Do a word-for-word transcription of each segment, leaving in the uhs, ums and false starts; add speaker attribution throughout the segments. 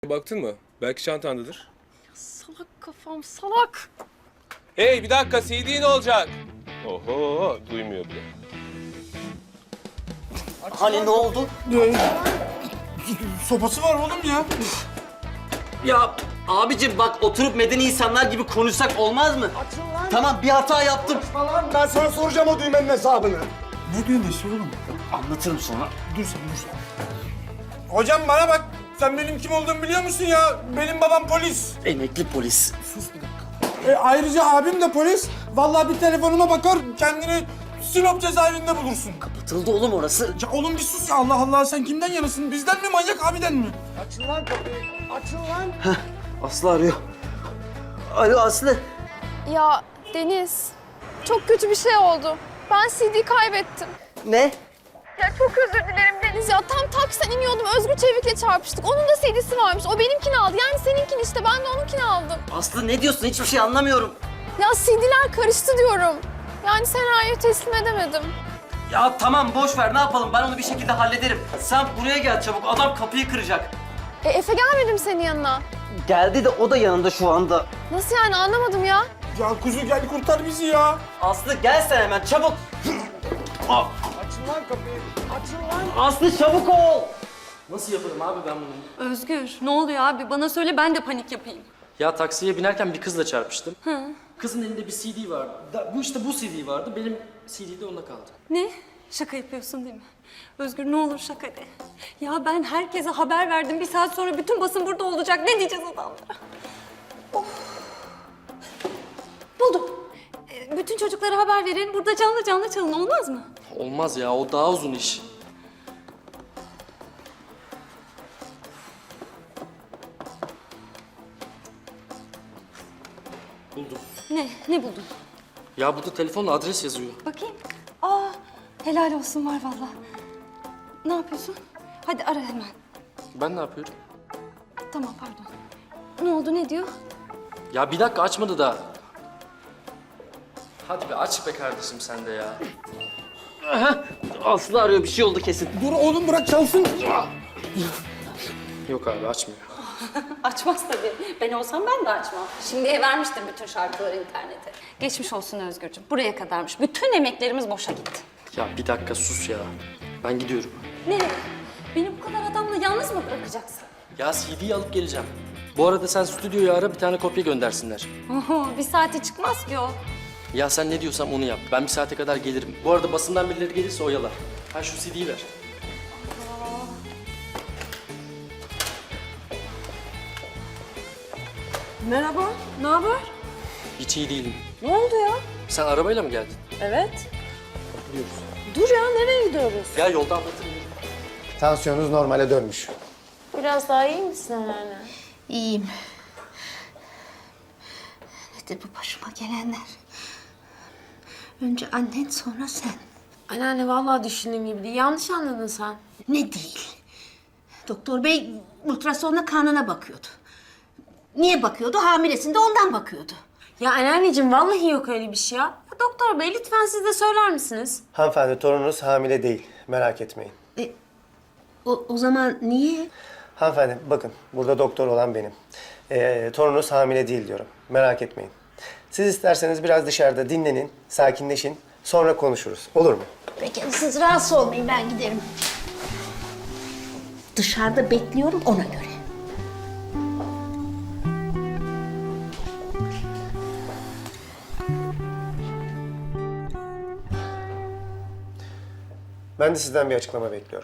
Speaker 1: Baktın mı? Belki çantandadır.
Speaker 2: Salak kafam, salak.
Speaker 1: Hey bir dakika, C D ne olacak? Oho, duymuyor bile.
Speaker 3: Hani ne oldu?
Speaker 4: Sopası var oğlum ya.
Speaker 3: Ya abicim bak oturup medeni insanlar gibi konuşsak olmaz mı? Tamam bir hata yaptım.
Speaker 4: Falan ben sana soracağım o düğmenin hesabını. Ne düğmesi oğlum?
Speaker 3: Anlatırım sonra.
Speaker 4: Dur sen dur sen. Hocam bana bak. Sen benim kim olduğumu biliyor musun ya? Benim babam polis.
Speaker 3: Emekli polis.
Speaker 4: E, ayrıca abim de polis. Vallahi bir telefonuma bakar kendini Sinop cezaevinde bulursun.
Speaker 3: Kapatıldı oğlum orası.
Speaker 4: Ya oğlum bir sus ya. Allah Allah sen kimden yanasın? Bizden mi manyak abiden mi? Açın lan kapıyı. Açın lan.
Speaker 3: Aslı arıyor. Alo Aslı.
Speaker 2: Ya Deniz, çok kötü bir şey oldu. Ben C D kaybettim.
Speaker 3: Ne?
Speaker 2: Ya çok özür dilerim Deniz ya. Tam taksiden iniyordum, Özgür Çevik'le çarpıştık. Onun da C D'si varmış. O benimkini aldı. Yani seninkini işte, ben de onunkini aldım.
Speaker 3: Aslı ne diyorsun? Hiçbir şey anlamıyorum.
Speaker 2: Ya C D'ler karıştı diyorum. Yani senaryoyu teslim edemedim.
Speaker 3: Ya tamam boş ver ne yapalım ben onu bir şekilde hallederim. Sen buraya gel çabuk adam kapıyı kıracak.
Speaker 2: E Efe gelmedim senin yanına.
Speaker 3: Geldi de o da yanında şu anda.
Speaker 2: Nasıl yani, anlamadım ya.
Speaker 4: Ya kuzu gel kurtar bizi ya.
Speaker 3: Aslı gel sen hemen çabuk. Aa,
Speaker 4: Açın lan kapıyı. Açın lan.
Speaker 3: Aslı çabuk ol. Nasıl yaparım abi ben bunu?
Speaker 5: Özgür, ne oluyor abi? Bana söyle, ben de panik yapayım.
Speaker 6: Ya taksiye binerken bir kızla çarpıştım. Hı. Kızın elinde bir C D vardı. Da, bu işte bu C D vardı. Benim C D de onda kaldı.
Speaker 5: Ne? Şaka yapıyorsun değil mi? Özgür ne olur şaka de. Ya ben herkese haber verdim. Bir saat sonra bütün basın burada olacak. Ne diyeceğiz adamlara? Of. Buldum. Ee, bütün çocuklara haber verin. Burada canlı canlı çalın. Olmaz mı?
Speaker 6: Olmaz ya, o daha uzun iş. Buldum.
Speaker 5: Ne? Ne buldun?
Speaker 6: Ya burada telefonla adres yazıyor.
Speaker 5: Bakayım. Aa, helal olsun var vallahi. Ne yapıyorsun? Hadi ara hemen.
Speaker 6: Ben ne yapıyorum?
Speaker 5: Tamam pardon. Ne oldu, ne diyor?
Speaker 6: Ya bir dakika açmadı da. Hadi be aç be kardeşim sen de ya.
Speaker 3: Aslı arıyor bir şey oldu kesin.
Speaker 4: Dur oğlum bırak çalsın.
Speaker 6: Yok abi açmıyor.
Speaker 5: Açmaz tabii. Ben olsam ben de açmam. Şimdiye vermiştim bütün şarkıları internete. Geçmiş olsun Özgürcüğüm. Buraya kadarmış. Bütün emeklerimiz boşa gitti.
Speaker 6: Ya bir dakika sus ya. Ben gidiyorum.
Speaker 5: Nereye? Beni bu kadar adamla yalnız mı bırakacaksın?
Speaker 6: Ya C D'yi alıp geleceğim. Bu arada sen stüdyoyu ara bir tane kopya göndersinler.
Speaker 5: Oho, bir saate çıkmaz ki o.
Speaker 6: Ya sen ne diyorsam onu yap. Ben bir saate kadar gelirim. Bu arada basından birileri gelirse oyalar. Ha şu C D'yi ver.
Speaker 2: Merhaba, ne haber?
Speaker 6: Hiç iyi değilim.
Speaker 2: Ne oldu ya?
Speaker 6: Sen arabayla mı geldin?
Speaker 2: Evet.
Speaker 6: Biliyoruz.
Speaker 2: Dur ya, nereye gidiyoruz?
Speaker 6: Ya yolda anlatırım.
Speaker 4: Tansiyonunuz normale dönmüş.
Speaker 2: Biraz daha iyi misin anneanne?
Speaker 7: İyiyim. Nedir bu başıma gelenler? Önce annen sonra sen.
Speaker 2: Anneanne vallahi düşündüğüm gibi değil. Yanlış anladın sen.
Speaker 7: Ne değil? Doktor bey ultrasonla karnına bakıyordu. Niye bakıyordu? Hamilesinde ondan bakıyordu.
Speaker 2: Ya anneanneciğim vallahi yok öyle bir şey ya. Ya doktor bey lütfen siz de söyler misiniz?
Speaker 8: Hanımefendi torununuz hamile değil. Merak etmeyin.
Speaker 7: E, o, o zaman niye?
Speaker 8: Hanımefendi bakın burada doktor olan benim. Ee, torununuz hamile değil diyorum. Merak etmeyin. Siz isterseniz biraz dışarıda dinlenin, sakinleşin. Sonra konuşuruz. Olur mu?
Speaker 7: Peki siz rahatsız olmayın, ben giderim. Dışarıda bekliyorum ona göre.
Speaker 8: Ben de sizden bir açıklama bekliyorum.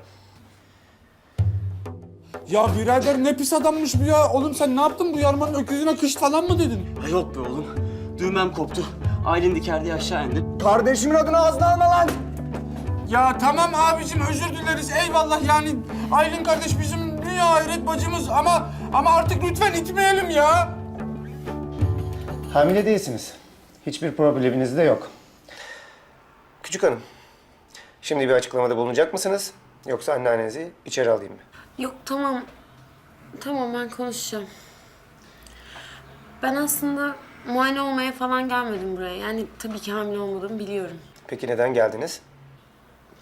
Speaker 4: Ya birader ne pis adammış bu ya. Oğlum sen ne yaptın bu yarmanın öküzüne kış falan mı dedin?
Speaker 3: Ha, yok be oğlum. Düğmem koptu. Aylin diker diye aşağı indim.
Speaker 4: Kardeşimin adını ağzına alma lan. Ya tamam abicim özür dileriz eyvallah yani. Aylin kardeş bizim dünya hayret bacımız ama ama artık lütfen itmeyelim ya.
Speaker 8: Hamile değilsiniz. Hiçbir probleminiz de yok. Küçük hanım, şimdi bir açıklamada bulunacak mısınız? Yoksa anneannenizi içeri alayım mı?
Speaker 2: Yok tamam. Tamam ben konuşacağım. Ben aslında muayene olmaya falan gelmedim buraya. Yani tabii ki hamile olmadığımı biliyorum.
Speaker 8: Peki neden geldiniz?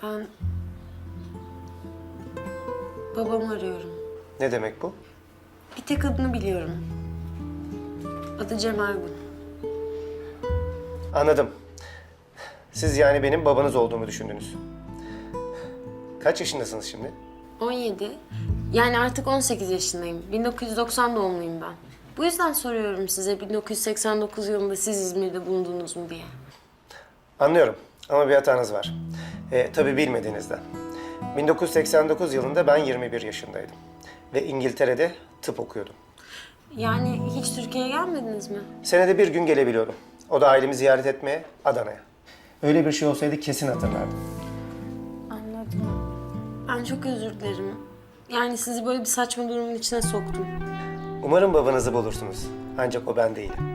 Speaker 2: Ben babamı arıyorum.
Speaker 8: Ne demek bu?
Speaker 9: Bir tek adını biliyorum. Adı Cem Ergun.
Speaker 8: Anladım. Siz yani benim babanız olduğumu düşündünüz. Kaç yaşındasınız şimdi?
Speaker 9: on yedi. Yani artık on sekiz yaşındayım. bin dokuz yüz doksan doğumluyum ben. Bu yüzden soruyorum size bin dokuz yüz seksen dokuz yılında siz İzmir'de bulundunuz mu diye.
Speaker 8: Anlıyorum ama bir hatanız var. E, tabii bilmediğinizden. bin dokuz yüz seksen dokuz yılında ben yirmi bir yaşındaydım. Ve İngiltere'de tıp okuyordum.
Speaker 9: Yani hiç Türkiye'ye gelmediniz mi?
Speaker 8: Senede bir gün gelebiliyordum. O da ailemi ziyaret etmeye Adana'ya. Öyle bir şey olsaydı kesin hatırlardım.
Speaker 9: Anladım. Ben çok özür dilerim. Yani sizi böyle bir saçma durumun içine soktum.
Speaker 8: Umarım babanızı bulursunuz. Ancak o ben değilim.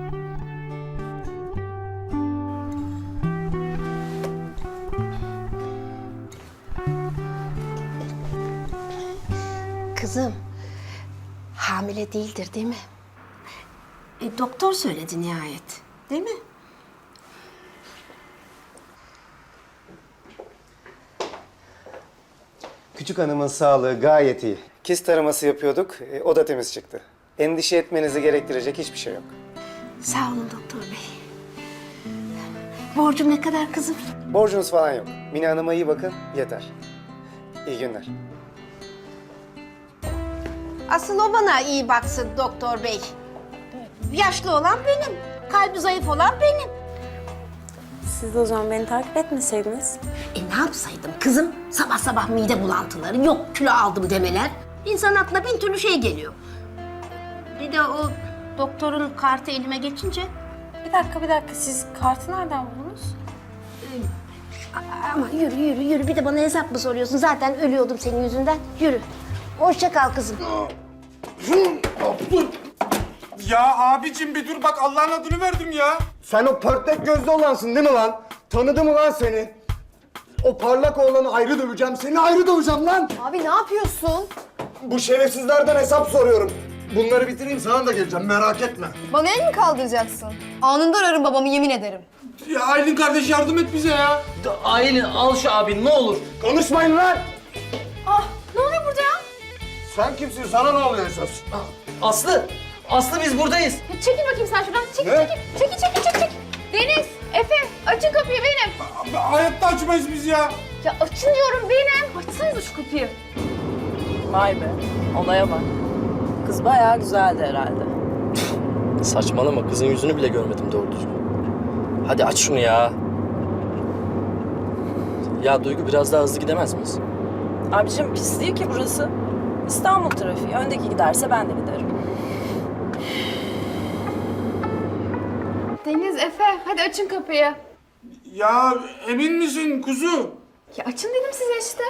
Speaker 7: Kızım, hamile değildir değil mi? E, doktor söyledi nihayet, değil mi?
Speaker 8: Küçük hanımın sağlığı gayet iyi. Kist taraması yapıyorduk, e, o da temiz çıktı. Endişe etmenizi gerektirecek hiçbir şey yok.
Speaker 7: Sağ olun doktor bey. Borcum ne kadar kızım?
Speaker 8: Borcunuz falan yok. Mine Hanım'a iyi bakın, yeter. İyi günler.
Speaker 7: Asıl o bana iyi baksın doktor bey. Yaşlı olan benim, kalbi zayıf olan benim.
Speaker 9: Siz de o zaman beni takip etmeseydiniz.
Speaker 7: E ne yapsaydım kızım? Sabah sabah mide bulantıları, yok kilo aldım demeler. İnsan aklına bin türlü şey geliyor. Bir de o doktorun kartı elime geçince...
Speaker 9: Bir dakika, bir dakika. Siz kartı nereden buldunuz?
Speaker 7: A- Ama yürü yürü yürü, bir de bana hesap mı soruyorsun? Zaten ölüyordum senin yüzünden. Yürü. Hoşça kal kızım.
Speaker 4: Ya abicim bir dur bak Allah'ın adını verdim ya.
Speaker 10: Sen o pörtlek gözlü olansın değil mi lan? Tanıdım ulan seni. O parlak oğlanı ayrı döveceğim, seni ayrı döveceğim lan.
Speaker 2: Abi ne yapıyorsun?
Speaker 10: Bu şerefsizlerden hesap soruyorum. Bunları bitireyim sana da geleceğim, merak etme.
Speaker 2: Bana el mi kaldıracaksın? Anında ararım babamı, yemin ederim.
Speaker 4: Ya Aylin kardeş yardım et bize ya.
Speaker 3: Aylin al şu abin ne olur.
Speaker 10: Konuşmayın lan!
Speaker 2: Ah, ne oluyor burada ya?
Speaker 10: Sen kimsin, sana ne oluyor esas?
Speaker 3: Aslı! Aslı biz buradayız.
Speaker 2: Ya çekil bakayım sen şuradan. Çekil,
Speaker 10: Ne?
Speaker 2: çekil. Çekil, çekil, çekil, çekil. Deniz, Efe, açın kapıyı benim.
Speaker 4: Abi, hayatta açmayız biz ya.
Speaker 2: Ya açın diyorum benim. Açsanıza şu kapıyı.
Speaker 11: Vay be, olaya bak. Kız bayağı güzeldi herhalde.
Speaker 6: Saçmalama, kızın yüzünü bile görmedim doğru düzgün. Hadi aç şunu ya. Ya Duygu biraz daha hızlı gidemez miyiz?
Speaker 11: Abicim pis değil ki burası. İstanbul trafiği. Öndeki giderse ben de giderim.
Speaker 2: Deniz, Efe, hadi açın kapıyı.
Speaker 4: Ya emin misin kuzu?
Speaker 2: Ya açın dedim size işte.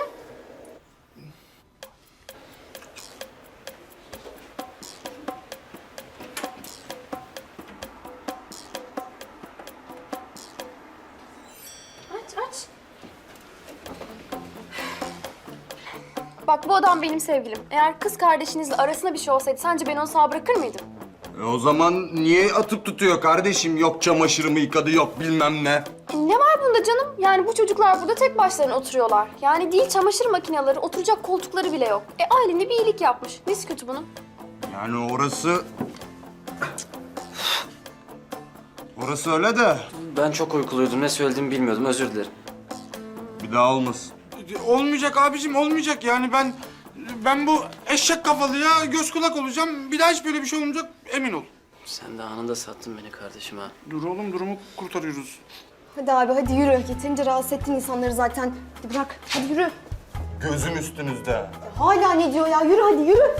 Speaker 2: Aç, aç. Bak bu adam benim sevgilim. Eğer kız kardeşinizle arasında bir şey olsaydı sence ben onu sağ bırakır mıydım?
Speaker 10: E o zaman niye atıp tutuyor kardeşim? Yok çamaşırımı yıkadı, yok bilmem ne.
Speaker 2: E, ne var bunda canım? Yani bu çocuklar burada tek başlarına oturuyorlar. Yani değil çamaşır makineleri, oturacak koltukları bile yok. E ailen de bir iyilik yapmış. Nesi kötü bunun?
Speaker 10: Yani orası... Orası öyle de
Speaker 6: Ben çok uykuluydum, ne söylediğimi bilmiyordum, özür dilerim.
Speaker 10: bir daha olmasın.
Speaker 4: Olmayacak abicim olmayacak yani ben ben bu eşek kafalıya göz kulak olacağım. Bir daha hiç böyle bir şey olmayacak emin ol.
Speaker 6: Sen de anında sattın beni kardeşim ha.
Speaker 4: Dur oğlum durumu kurtarıyoruz.
Speaker 2: Hadi abi hadi yürü. Yeterince rahatsız ettin insanları zaten. Hadi bırak. Hadi yürü.
Speaker 10: Gözüm üstünüzde.
Speaker 2: Hala ne diyor ya? Yürü hadi yürü.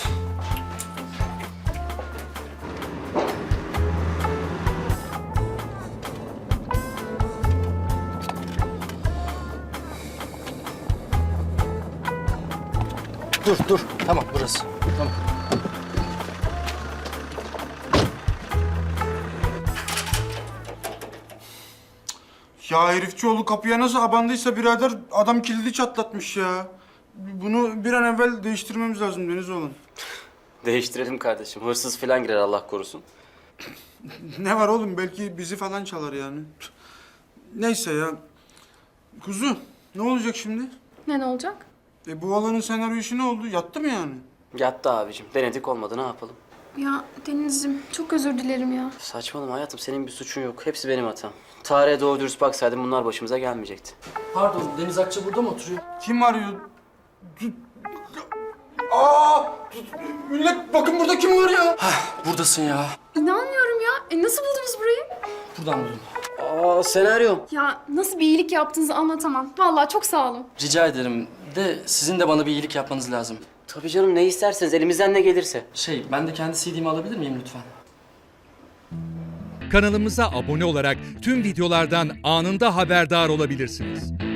Speaker 6: Dur, dur. Tamam, burası. Tamam.
Speaker 4: Ya herifçioğlu kapıya nasıl abandıysa birader adam kilidi çatlatmış ya. Bunu bir an evvel değiştirmemiz lazım Denizoğlu.
Speaker 6: Değiştirelim kardeşim. Hırsız falan girer Allah korusun.
Speaker 4: Ne var oğlum belki bizi falan çalar yani. Neyse ya. Kuzu ne olacak şimdi?
Speaker 2: Ne ne olacak?
Speaker 4: E bu olanın senaryo işi ne oldu? Yattı mı yani?
Speaker 6: Yattı abicim. Denedik olmadı ne yapalım?
Speaker 2: Ya Deniz'cim çok özür dilerim ya.
Speaker 6: Saçmalama hayatım senin bir suçun yok. Hepsi benim hatam. Tarihe doğru dürüst baksaydım bunlar başımıza gelmeyecekti. Pardon Deniz Akça burada mı oturuyor?
Speaker 4: Kim arıyor? Aa! Millet bakın burada kim var ya?
Speaker 6: Buradasın ya.
Speaker 2: İnanmıyorum ya. E nasıl buldunuz burayı?
Speaker 6: Buradan buldum. Aa senaryom.
Speaker 2: Ya nasıl bir iyilik yaptığınızı anlatamam. Vallahi çok sağ olun.
Speaker 6: Rica ederim de sizin de bana bir iyilik yapmanız lazım.
Speaker 3: Tabii canım ne isterseniz elimizden ne gelirse.
Speaker 6: Şey ben de kendi C D'mi alabilir miyim lütfen?
Speaker 12: Kanalımıza abone olarak tüm videolardan anında haberdar olabilirsiniz.